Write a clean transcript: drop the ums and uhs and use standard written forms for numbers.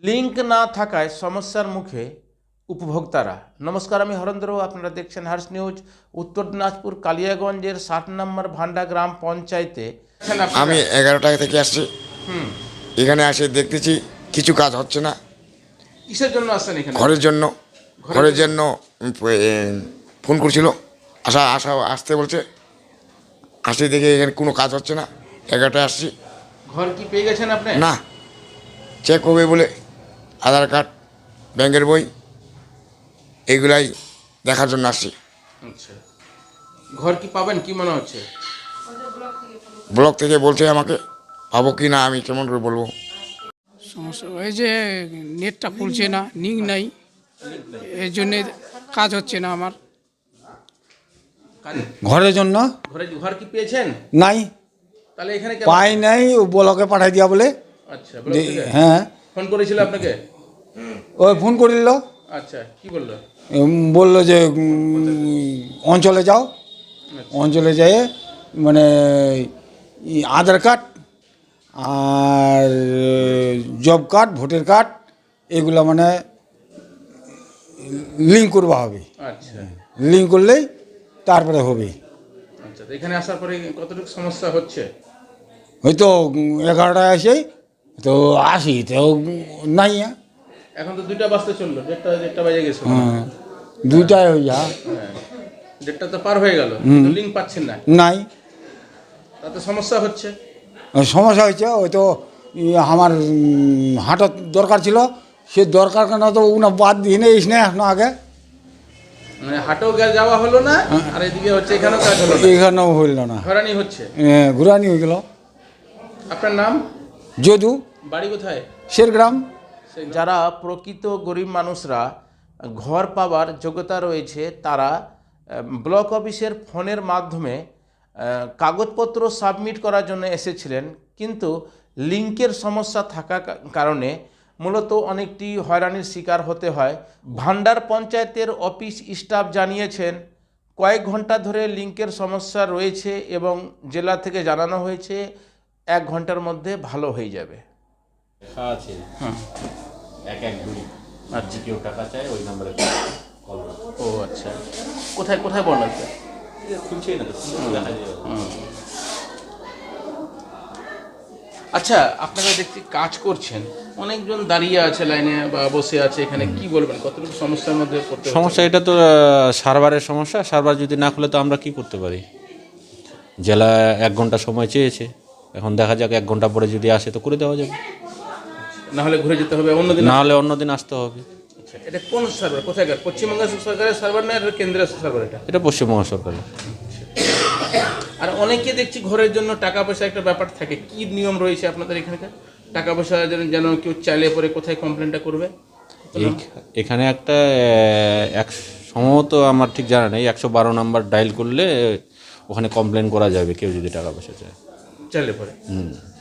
Link না থাকায় সমস্যার মুখে উপভোক্তারা। নমস্কার, আমি হরেন্দ্র, আপনারা দেখছেন হার্স নিউজ। উত্তর দিনাজপুর কালিয়াগঞ্জের 60 নম্বর ভান্ডা গ্রাম পঞ্চায়েতে আমি 11টা থেকে আসছি। এখানে এসে দেখতেছি কিছু কাজ হচ্ছে না। কিসের জন্য আসছেন এখানে? ঘরের জন্য ফোন করছিল, আসতে বলছে। আসতে দেখে এখানে কোনো কাজ হচ্ছে না। 11টায় আসছি। ঘর কি পেয়ে গেছেন আপনি? না, চেক হবে বলে আধার কার্ড, ব্যাংকের বই এগুলাই দেখার জন্য আসছি। আচ্ছা, ঘর কি পাবেন কি মনে হচ্ছে? ব্লক থেকে বলছে আমাকে, পাবো কি না আমি কেমন করে বলবো। সমস্যা এই যে নেটটা খুলছে না, লিঙ্ক নাই, এর জন্যে কাজ হচ্ছে না আমার। ঘরের জন্য ঘর কি পেয়েছেন? নাই, তাহলে এখানে পাই নাই, ও ব্লকে পাঠাই দিয়া বলে। আচ্ছা, ব্লক থেকে? হ্যাঁ, ফোন করেছিল আপনাকে? ওই ফোন করিল। আচ্ছা, কি বললো? বললো যে অঞ্চলে যাও, অঞ্চলে যেয়ে মানে আধার কার্ড আর জব কার্ড, ভোটার কার্ড এগুলো মানে লিঙ্ক করবা হবে। আচ্ছা লিঙ্ক করলেই তারপরে হবে। আচ্ছা, তো এখানে আসার পরে কতটুকু সমস্যা হচ্ছে? হয়তো 11টায় আসে তো আসি তো নাই। এখন তো 2টা বাজতে চললো, দেড়টা বেজে গেছে। হ্যাঁ, 2টায় হয়ে যা। হ্যাঁ, 1:30 তো পার হয়ে গেল, লিঙ্ক পাচ্ছেন না, নাই, তাতে সমস্যা হচ্ছে। সমস্যা হয়েছে। ওই তো আমার হাঁটার দরকার ছিল, সে দরকার কেন তো উনা বাদ দিয়ে নিয়ে এসে এখনো আগে মানে হাটেও যাওয়া হলো না, আর এদিকে হচ্ছে এখানেও কাজ হলো না, এখানেও হইল না, হয়রানি হচ্ছে। ঘুরানি হয়ে গেল। আপনার নাম? যদু, বাড়ি কোথায়? শেরগ্রাম। যারা প্রকৃত গরিব মানুষরা ঘর পাওয়ার যোগ্যতা রয়েছে, তারা ব্লক অফিসের ফোনের মাধ্যমে কাগজপত্র সাবমিট করার জন্য এসেছিলেন, কিন্তু লিঙ্কের সমস্যা থাকার কারণে মূলত অনেকটি হয়রানির শিকার হতে হয়। ভান্ডার পঞ্চায়েতের অফিস স্টাফ জানিয়েছেন কয়েক ঘন্টা ধরে লিঙ্কের সমস্যা রয়েছে এবং জেলা থেকে জানানো হয়েছে 1 ঘন্টার মধ্যে ভালো হয়ে যাবে। লেখা আছে হুম, 112। আর যে কেউ টাকা চায় ওই নাম্বারে কল করো। ও আচ্ছা, কোথায় কোথায় বলা আছে? খুলছেই না তো, দেখা যায়। আচ্ছা, আপনারা দেখছি কাজ করছেন, অনেকজন দাঁড়িয়ে আছে লাইনে বা বসে আছে, এখানে কি বলবেন, কতটুকু সমস্যার মধ্যে পড়তে হচ্ছে? সমস্যা এটা তো সার্ভারের সমস্যা। সার্ভার যদি না খুলে তো আমরা কি করতে পারি? জেলা 1 ঘন্টা সময় চেয়েছে, এখন দেখা যাক 1 ঘন্টা পরে যদি আসে তো করে দেওয়া যাবে, না হলে ঘুরে যেতে হবে অন্যদিন। না হলে অন্যদিন আসতে হবে। আচ্ছা, এটা কোন সার্ভার, কোথায়কার? পশ্চিমবঙ্গ সরকারের সার্ভার না কেন্দ্রীয় সার্ভার? এটা পশ্চিমবঙ্গ সরকারের। আর অনেকে দেখছি ঘরের জন্য টাকা পয়সা একটা ব্যাপার থাকে, কি নিয়ম রয়েছে আপনাদের এখানকার? টাকা পয়সা যেন কেউ চাইলে পরে কোথায় কমপ্লেনটা করবে? এখানে একটা সম্ভবত আমার ঠিক জানা নেই, 112 নাম্বার ডায়াল করলে ওখানে কমপ্লেন করা যাবে কেউ যদি টাকা পয়সা চায়। চাইলে পরে